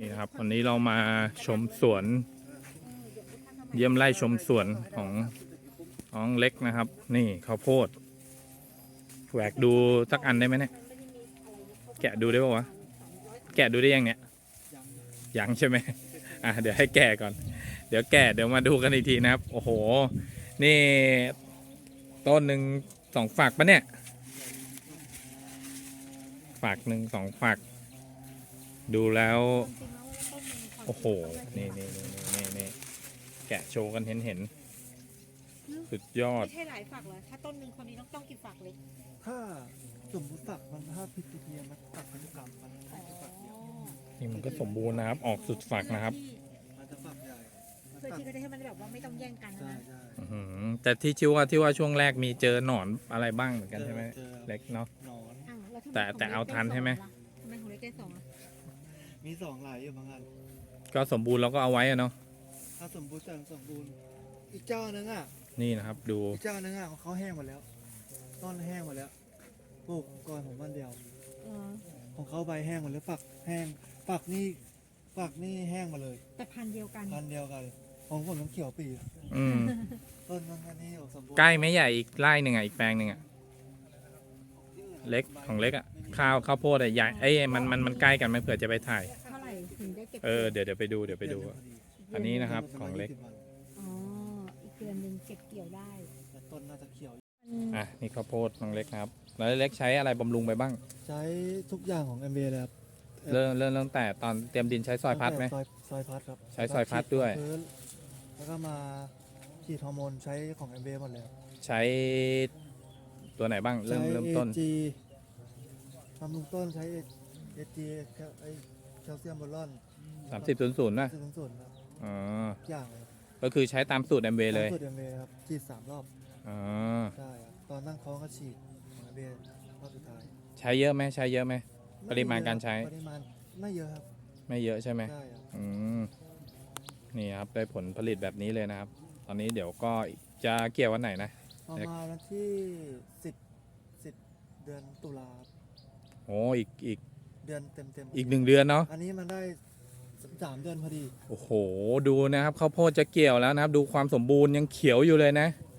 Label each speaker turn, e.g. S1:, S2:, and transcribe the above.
S1: นี่นะครับวันนี้เรามาชมสวนเยี่ยมไร่ชมสวนของน้องเล็กนะครับนี่ข้าวโพดแหวกดูสักอันได้ไหมเนี่ยแกะดูได้ป่าวะแกะดูได้ยังเนี่ยยังใช่ไหมเดี๋ยวให้แกะก่อนเดี๋ยวมาดูกันอีกทีนะครับโอ้โหนี่ต้นหนึ่ง2 ฝักปะเนี่ยฝักหนึ่ง2 ฝักดูแล้วโอ้โหนี่แกะโชว์กันเห็นสุดยอด
S2: ไม่ใช่หลายฝักเหรอถ้าต้นหนึ่งคนนี้ต้องกี่ฝักเลย
S3: ถ้าสมมติฝักมันถ้าพิจิตรมันตัดเป็นกำมันไม่ใช่ฝักเดียว
S1: นี่มันก็สมบูรณ์นะครับออกสุดฝักนะครับ
S3: มันจะฝักใหญ่
S2: เพื่อที่จะได้ให้มันแบบว่าไม่ต้องแย่งกัน
S3: ใช่
S2: นะ
S3: ใช่
S1: แต่ที่ว่าช่วงแรกมีเจอหนอนอะไรบ้างเหมือนกันใช่ไหมเล็กเนาะ
S3: หนอน
S2: อ้าวล้วทำไม
S1: แต่เอาทันใช่ไหม
S2: ทำไมของเล็กได้2อ่ะ
S3: มี2หลายอยู่บางอัน
S1: ก็สมบูรณ์เราก็เอาไว้อะเนาะ
S3: ถ้าสมบูรณ์แต่สมบูรณ์อีกเจ้านึงอ่ะ
S1: นี่นะครับดู
S3: อีกเจ้านึงอ่ะเขาแห้งหมดแล้วต้นแห้งหมดแล้วปลูกก่อนผมวันเดียว
S2: เออ
S3: ของเขาใบแห้งหมดแล้วฝักแห้งฝักนี่แห้งหมาเลย
S2: แต่พันธุ์เดียวกัน
S3: พันเดียวกันของผมน้ำเขียวปี
S1: อืม
S3: ต้นมันนี่ออกสมบูรณ์
S1: ใกล้ไหมใหญ่อีกไร่หนึ่งอ่ะอีกแปลงหนึ่งอ่ะเล็กของเล็กอ่ะข้าวโพดอ่ะใหญ่มันใกล้กันไหมเผื่อจะไปถ่าย
S2: เท่าไหร่ถึงได้เก็บ
S1: เดี๋ยวไปดูอันนี้นะครับของเล็ก
S2: อ๋ออีกเดือนหนึ่งเก็บเกี่ยวได้
S3: แต่ต้นน่าจะเขียว
S1: นี่ข้าวโพดน้องเล็กนะครับแล้วเล็กใช้อะไรบำรุงไปบ้าง
S3: ใช้ทุกอย่างของ MB เลยครับ
S1: เริ่มตั้งแต่ตอนเตรียมดินใช้ซอยพัดไหม
S3: ซอยพัดครับ
S1: ใช้ซอยพัดด้วย
S3: พื้นแล้วก็มาฉีดฮอร์โมนใช้ของ MB หมดเลยครับ
S1: ใช้ตัวไหนบ้างเริ่มต้น
S3: ใช้ AG บำรุงต้นใช้ AG ไอแคลเซียมบอลอน
S1: 3000นะ
S3: 0.0ครับ
S1: อ๋อ
S3: ทุกอย่างเลยครับ
S1: ก็คือใช้ตามสูตร MV เลย
S3: สูตร MB ครับฉีด3 รอบ
S1: อ๋อ
S3: ใช่ครับตอนนั่งท้องก็ฉีดของ MB รอบสุดท้าย
S1: ใช้เยอะไหมปริมาณการใช้
S3: ปริมาณไม่เยอะครับ
S1: ไม่เยอะใช่ไหม
S3: ใช่ครับ
S1: อืมนี่ครับได้ผลผลิตแบบนี้เลยนะครับ ตอนนี้เดี๋ยวก็จะเกี่ยววันไหนนะ
S3: ประมาณวันที่10เดือนตุลาครับ
S1: โอ้อีก
S3: เดือนเต็ม
S1: อีก1 เดือนเนาะ
S3: อันนี้มันได้3 เดือนพอดี
S1: โอ้โหดูนะครับข้าวโพดจะเกี่ยวแล้วนะครับ ดูความสมบูรณ์ยังเขียวอยู่เลยนะ